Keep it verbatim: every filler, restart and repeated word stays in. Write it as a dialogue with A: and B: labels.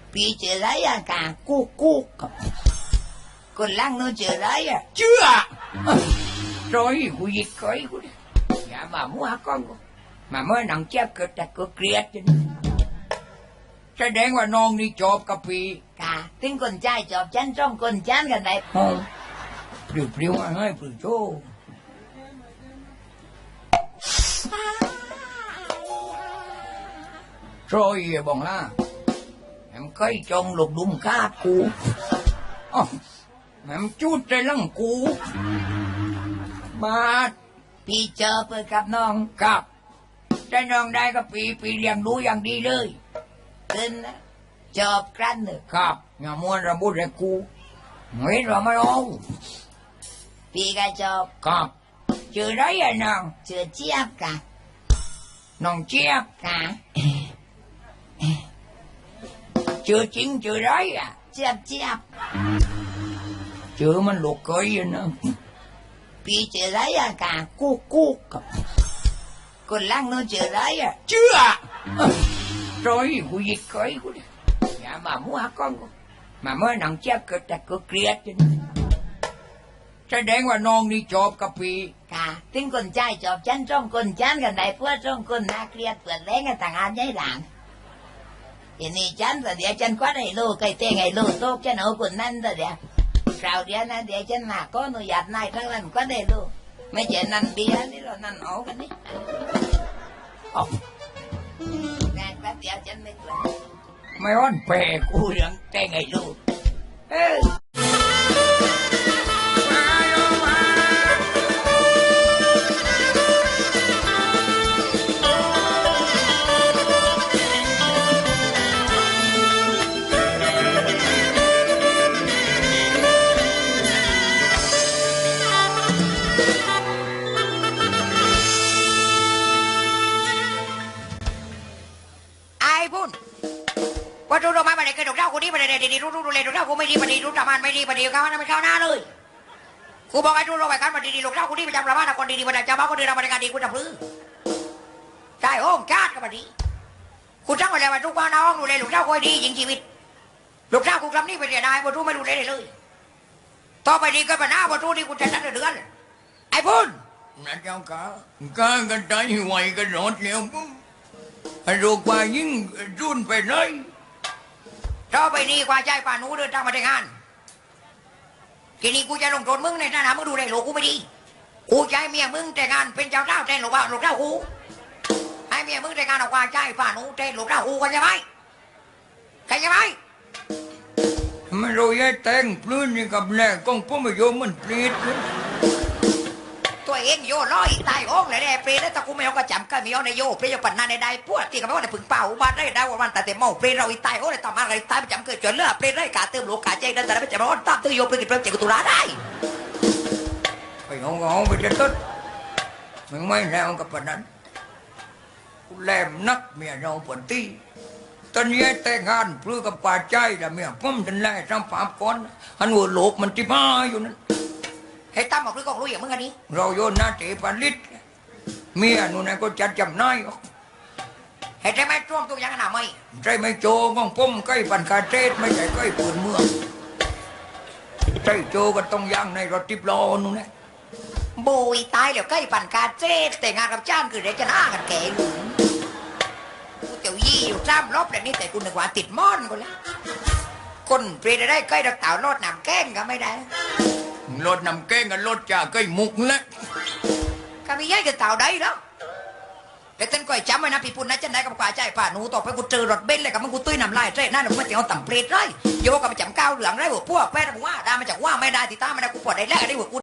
A: ปีเจอไรอะกากุ๊กกุ๊กคนล่างนู้นเจอไรอะ
B: เชื่อ
A: รอยกูยิกก้อยกูอย่ามามัวก้อนกูมาเมื่อหนังเจ็บเกิดแต่กูเกลียดจน
B: แสดงว่าน้องนี่จบกับปี
A: กาถึงคนใจจบฉันจ้องคนฉันกันได้พอ
B: ปลิวปลิวให้ปลิวโชโชยบองล่าแหมเคยจงหลบดุมคาดกูอ๋อแหมจุดใจลังกูบาด
A: ปีเจอเปิดกับน้อง
B: กับได้น้องได้กับปีปีเลี้ยงดูอย่างดีเลย
A: ขึ้นนะจบกันเลย
B: ครับอย่ามัวระบุเลยกูเฮ้ยเราไม่เอา
A: ปีก็จบ
B: ครับเจอได้ยังน้อง
A: เจอเจี๊ยบกะ
B: น้องเจี๊ยบ
A: กะ
B: เจอจริงเจอได้อ่ะ
A: เจี๊ยบเจี๊ยบ
B: เจอมันลูกเคยนะ
A: ปีเจอไรอะกะกุ๊กกุ๊กคนล่างนู้นเจอไรอะ
B: เชื่อรอยกูยิกก้อยกูอย่ามามัวก้อนกูมาเมื่อหนังเจ็บเกิดแต่กูเกลียดจนแสดงว่าน้องนี่จบกับปี
A: กาถึงคนใจจบฉันจ้องคนฉันกันได้เพื่อจ้องคนน่าเกลียดเปิดแรงกันต่างอันใหญ่หลังทีนี้ฉันแต่เดี๋ยวฉันคว้าไอ้ลูกไอ้เต้ไอ้ลูกโตฉันเอาคนนั้นแต่เดี๋ยวคราวเดียวนะเดี๋ยวฉันหนักก็หนูหยาดนายทั้งนั้นก็ได้ลูกไม่ใช่นั่นเบียร์นี่เรานั่นเอากันนี่
B: อ๋อ
A: งานแป๊บเดียวฉันไม่กลัว
B: ไม่อ้อนแปรกูเรื่องแต่ไงลูกเอ้
A: ว่าดูดอกไม้มาเลยเคยดอกเจ้ากูนี่มาเลยดีๆรู้รู้ดูเลยดอกเจ้ากูไม่ดีมาดีรู้ประมาณไม่ดีมาดีก้าวหน้าไม่ก้าวหน้าเลยกูบอกให้ดูดอกไม้กันมาดีๆดอกเจ้ากูนี่ประจำประมาณคนดีๆมาจากเจ้าบ้านคนดีเรามาในการดีกูจะพื้นใช่โอ้ชาติก็มาดีกูจ้างมาเลยมาทุกวันน้องดูเลยดอกเจ้ากูดียิงชีวิตดอกเจ้ากูกำนี่ไปเรียนนายมาดูไม่รู้เลยเลยต่อไปนี้ก็เป็นหน้ามาดูนี่กูจะนั่งเดือนไอ้พุ่น
B: นั่นเจ้าก้าก้ากันใจไหวกันรอดแล้วปุ๊บไอ้ลูกว่ายิ่งรุ่นไปเลย
A: ต่อไปนี้กว่าใจป่านูเดินทางมาแต่งงานทีนี้กูจะลงโทษมึงในฐานะมึงดูแลลูกกูไม่ดีกูจะให้เมียมึงแต่งงานเป็นเจ้าเจ้าแทนลูกบ่าวลูกเจ้ากูให้เมียมึงแต่งงานออกว่าใจป่านูแทนลูกเจ้ากูกันใช่ไหมใครใช่ไหม
B: ไม่รู้ยัยแต่งพลื้นนี่กับแหล่กองพ่อมาโยมมันปลีด
A: ตัวเองโยร้อยตายโอ่งเลยแน่เปรย์แล้วแต่กูไม่เอากระจำก็ไม่เอาในโยเปรย์ปั่นนาในได้พวกที่เขาไม่ว่าในผึ่งเป่าบ้านได้ได้ว่ามันแต่แต่เมาเปรย์เราอีตายโอ่งเลยต่อมาอะไรตายประจำเกิดจนเลือดเปรย์ได้กาเติมโลกาใจได้แต่ไม่จำว่าตั้งตัวโยเปรย์กินเปรย์เจ็บกุตุลาได้
B: ไปงงงไปจนต้นมึงไม่แล้วกับปนันกูแหลมนักเมียเราปวดตีตอนนี้แต่งงานเพื่อกับป่าใจแล้วเมียพุ่มจนแล่ทำฝาก้อนหันหัวโลกมันจิบ้าอยู่นั้น
A: ให้ตั้มบอกหรือกองรู้อย่างมึงอันนี้
B: เราโยนหน้าเตะปาลิดเมียนู่นน่ะก็จัดจำนาย
A: เห็นใจไหมช่วงตัวยังขนาดไม่
B: ใจไม่โจกองพุ่มใกล้ปันคาเทศไม่ใช่ใกล้ปืนเมืองใจโจก็ต้องย่างในรถทิพล้อนู่นน่ะ
A: บุยตายเดี๋ยวใกล้ปันคาเทศแต่งานกับจ้างคือเดี๋ยวจะหน้ากันแก่หลุมกูเจ้ายี่อยู่ซ้ำรอบแบบนี้แต่กูนึกว่าติดม่อนกูแล้วคนเปลี่ยนได้ใกล้ดักเต่ารถหนำแก้งก็ไม่ได้
B: รถนำแกงกับรถจ่าก็มุกแล้ว
A: ก็มีย้ายกันเต่าได้แล้วแต่ต้นก้อยจำไว้นะพี่ปุ่นนะจะได้กับกว่าใจป่าหนูต่อไปกูเจอรถเบนซ์เลยกับมันกูตุ้ยนำลายใช่นั่นมันจะเอาต่ำเปรตเลยโยกับไปจำก้าวเหลืองได้หัวพวกแม่ผมว่าได้มาจากว่าไม่ได้ที่ตาไม่ได้กูปวดได้แรกได้หัวกู